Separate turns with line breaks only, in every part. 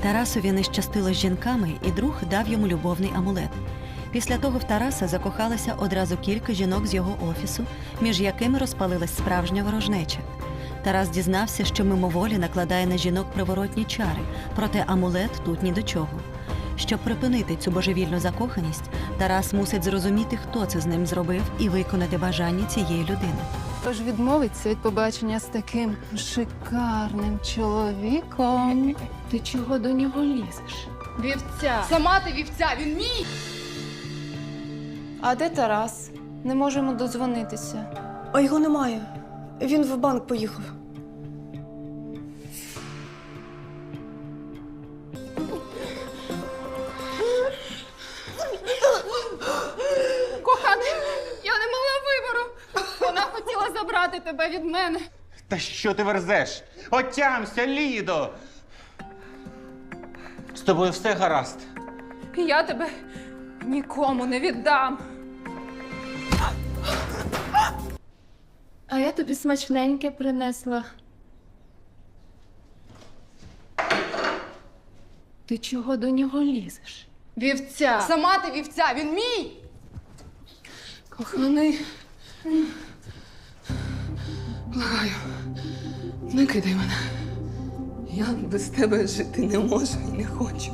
Тарасові не щастило з жінками, і друг дав йому любовний амулет. Після того в Тараса закохалося одразу кілька жінок з його офісу, між якими розпалилась справжня ворожнеча. Тарас дізнався, що мимоволі накладає на жінок приворотні чари, проте амулет тут ні до чого. Щоб припинити цю божевільну закоханість, Тарас мусить зрозуміти, хто це з ним зробив, і виконати бажання цієї людини.
Тож відмовиться від побачення з таким шикарним чоловіком. Ти чого до нього лізеш? Вівця!
Сама ти вівця, він мій!
А де Тарас? Не можемо дозвонитися.
А його немає. Він в банк поїхав.
Коханий, я не мала вибору. Вона хотіла забрати тебе від мене.
Та що ти верзеш? Отямся, Лідо! З тобою все гаразд.
Я тебе нікому не віддам.
А я тобі смачненьке принесла. Ти чого до нього лізеш?
Вівця! Сама ти вівця, він мій!
Коханий,
Благаю, не кидай мене. Я без тебе жити не можу і не хочу.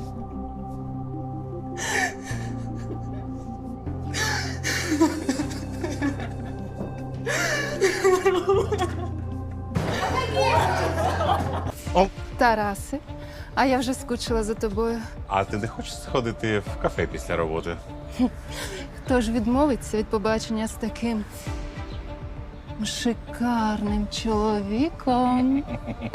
Тарасе, а я вже скучила за тобою.
А ти не хочеш сходити в кафе після роботи?
Хто ж відмовиться від побачення з таким шикарним чоловіком?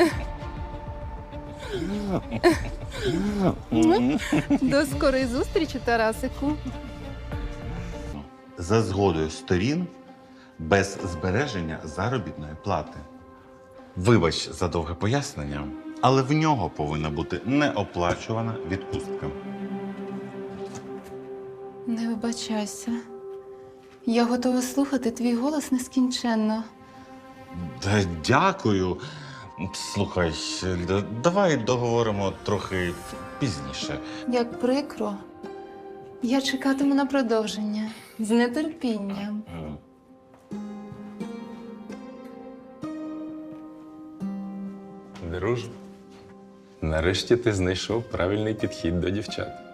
До скорої зустрічі, Тарасику.
За згодою сторін, без збереження заробітної плати. Вибач за довге пояснення, але в нього повинна бути неоплачувана відпустка.
Не вибачайся. Я готова слухати твій голос нескінченно.
Та дякую. Слухай, давай договоримо трохи пізніше.
Як прикро. Я чекатиму на продовження з нетерпінням.
Друже, нарешті ти знайшов правильний підхід до дівчат.